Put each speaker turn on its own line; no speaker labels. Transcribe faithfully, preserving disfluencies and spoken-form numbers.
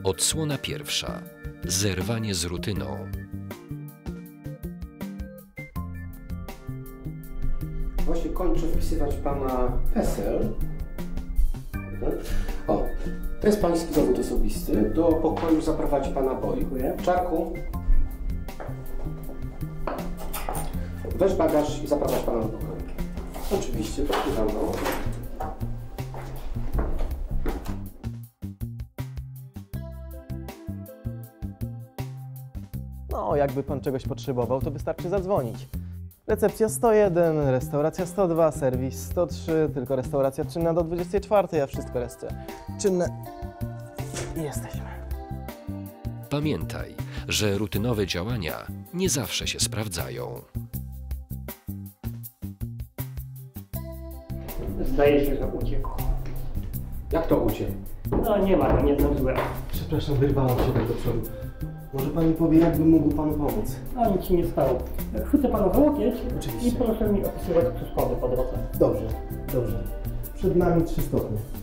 Odsłona pierwsza. Zerwanie z rutyną.
Właśnie kończę wpisywać pana PESEL. O, to jest pański dowód osobisty. Do pokoju zaprowadzi pana boi. Czarku, weź bagaż i zaprowadź pana do pokoju. Oczywiście, podpływam go.
No, jakby pan czegoś potrzebował, to wystarczy zadzwonić. Recepcja sto jeden, restauracja sto dwa, serwis sto trzy, tylko restauracja czynna do dwudziestej czwartej, a wszystko jeszcze czynne. I jesteśmy.
Pamiętaj, że rutynowe działania nie zawsze się sprawdzają.
Zdaje się, że uciekł.
Jak to uciekł?
No nie ma, no nie zdążyłem.
Przepraszam, wyrwałam się tak do przodu. Może pan mi powie, jakbym mógł panu pomóc?
A nic ci nie stało. Chwycę pana za łokieć
Oczywiście.
i proszę mi opisywać przeszkody po drodze.
Dobrze, dobrze. Przed nami trzy stopnie.